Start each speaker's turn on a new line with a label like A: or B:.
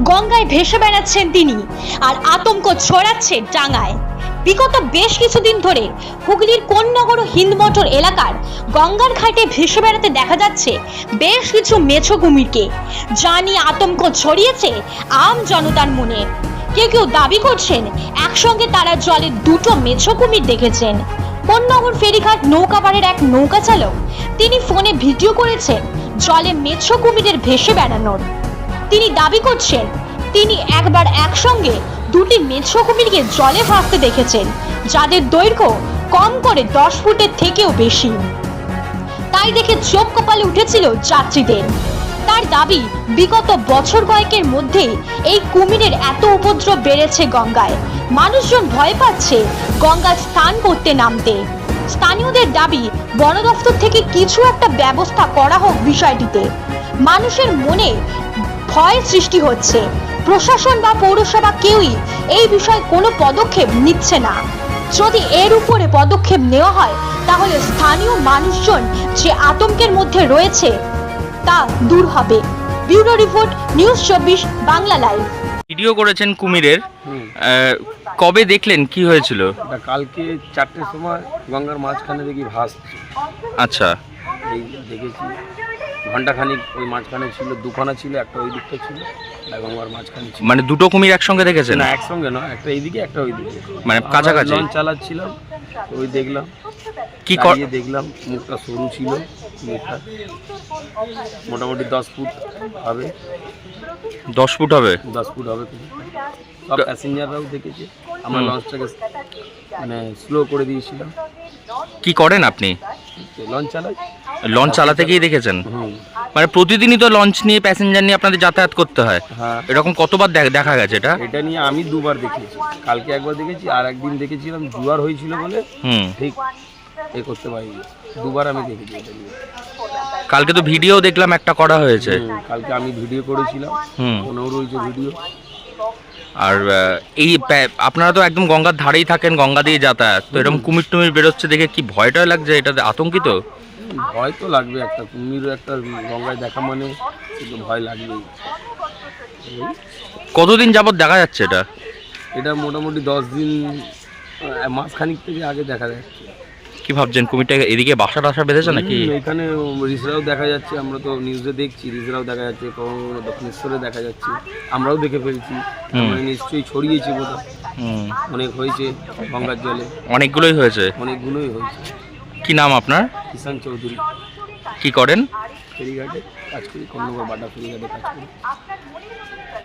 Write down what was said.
A: গঙ্গায় ভেসে বেড়াচ্ছেন তিনি আর আতঙ্ক ছড়াচ্ছে ডাঙায়। বিগত বেশ কিছুদিন ধরে হুগলির কোন্নগর ও হিন্দমোটর এলাকার গঙ্গার ঘাটে ভেসে বেড়াতে দেখা যাচ্ছে বেশ কিছু মেছো কুমিরকে, যা নিয়ে আতঙ্ক ছড়িয়েছে আম জনতার মনে। কেউ কেউ দাবি করছেন একসঙ্গে তারা জলে দুটো মেছো কুমির দেখেছেন। কোন্নগর ফেরিঘাট নৌকাপাড়ের এক নৌকা চালক তিনি ফোনে ভিডিও করেছেন জলে মেছো কুমিরের ভেসে বেড়ানোর। তিনি দাবি করছেন তিনি একবার একসঙ্গে দুটি মেছো কুমিরকে জলে ভাসতে দেখেছেন, যাদের দৈর্ঘ্য কম করে 10 ফুটের থেকেও বেশি। তাই দেখে চোখ কপালে উঠেছিল যাত্রীদের। তার দাবি বিগত বছর কয়েকের মধ্যে এই কুমিরের এত উপদ্রব বেড়েছে গঙ্গায়, মানুষজন ভয় পাচ্ছে গঙ্গায় স্নান করতে নামতে। স্থানীয়দের দাবি বন দফতর থেকে কিছু একটা ব্যবস্থা করা হোক বিষয়টিতে। মানুষের মনে ভয় সৃষ্টি হচ্ছে, প্রশাসন বা পৌরসভা কেউই এই বিষয়ে কোনো পদক্ষেপ নিচ্ছে না। যদি এর উপরে পদক্ষেপ নেওয়া হয় তাহলে স্থানীয় মানুষজন যে আতঙ্কের মধ্যে রয়েছে তা দূর হবে। Bureau report, news 24 Bangla live.
B: Video করেছেন কুমিরের, কবে দেখলেন, কি হয়েছিল?
C: কালকে 4টের সময় গঙ্গার মাঝখানে দেখি ভাসছে।
B: আচ্ছা,
C: এই দেখেছি ঘন্টাখানিক ওই মাঝখানে ছিল, দুখানা ছিল, একটা ওই দিকটা ছিল, একটা গঙ্গার মাঝখানে ছিল।
B: মানে দুটো কুমির একসঙ্গে দেখেছেন?
C: না, একসঙ্গে নয়, একটা এইদিকে একটা ওইদিকে,
B: মানে কাছাকাছি।
C: লঞ্চ চালাচ্ছিলাম, ওই দেখলাম,
B: কি
C: দেখলাম মুখটা সরু ছিল, মুখটা মোটামুটি 10 ফুট হবে।
B: 10 ফুট হবে?
C: 10 ফুট হবে। সব প্যাসেঞ্জাররাও দেখেছে। আমরা লঞ্চটাকে মানে স্লো করে দিয়েছিলাম।
B: কি করেন আপনি?
C: লঞ্চ চালাই।
B: লঞ্চ চালাতে গিয়ে দেখেছেন? মানে প্রতিদিনই তো লঞ্চ নিয়ে প্যাসেঞ্জার নিয়ে আপনাদের যাতায়াত করতে হয়।
C: হ্যাঁ।
B: এরকম কতবার দেখা গেছে এটা?
C: এটা নিয়ে আমি দুবার দেখেছি। কালকে একবার দেখেছি, আর একদিন দেখেছিলাম জোয়ার হয়েছিল বলে ঠিক এ করতে পারিনি। দুবার আমি দেখেছি এটা নিয়ে।
B: কালকে তো ভিডিও দেখলাম একটা করা হয়েছে।
C: কালকে আমি ভিডিও করেছিলাম, মনেও রয়েছে ভিডিও।
B: আর এই আপনারা তো একদম গঙ্গার ধারেই থাকেন, গঙ্গা দিয়ে যাতায়াত, তো এরকম কুমির টুমির বেরোচ্ছে দেখে কি ভয়টা লাগছে? এটাতে আতঙ্কিত?
C: ভয় তো লাগবে, একটা কুমির একটা গঙ্গায় দেখা মানে একটু ভয় লাগবেই।
B: কতদিন যাবত দেখা যাচ্ছে এটা?
C: এটা মোটামুটি 10 দিন, মাসখানিক থেকে আগে দেখা যাচ্ছে।
B: কি ভাবছেন, কুমিরটা এদিকে বাসা টাসা বেঁধেছে নাকি?
C: এখানে রিসরাও দেখা যাচ্ছে, আমরা তো নিউজে দেখছি, রিসরাও দেখা যাচ্ছে, দক্ষিণেশ্বরে দেখা যাচ্ছে, আমরাও দেখে ফেলছি। আমরা নিশ্চয়ই ছড়িয়েছি বোধহয়, অনেক হয়েছে গঙ্গার জলে।
B: অনেকগুলোই হয়েছে?
C: অনেকগুলোই হয়েছে।
B: কি নাম আপনার?
C: কিষান চৌধুরী।
B: কি করেন?
C: ফেরিঘাটে কাজ করি, কোন্নগর বাটা ফেরিঘাটে কাজ করি।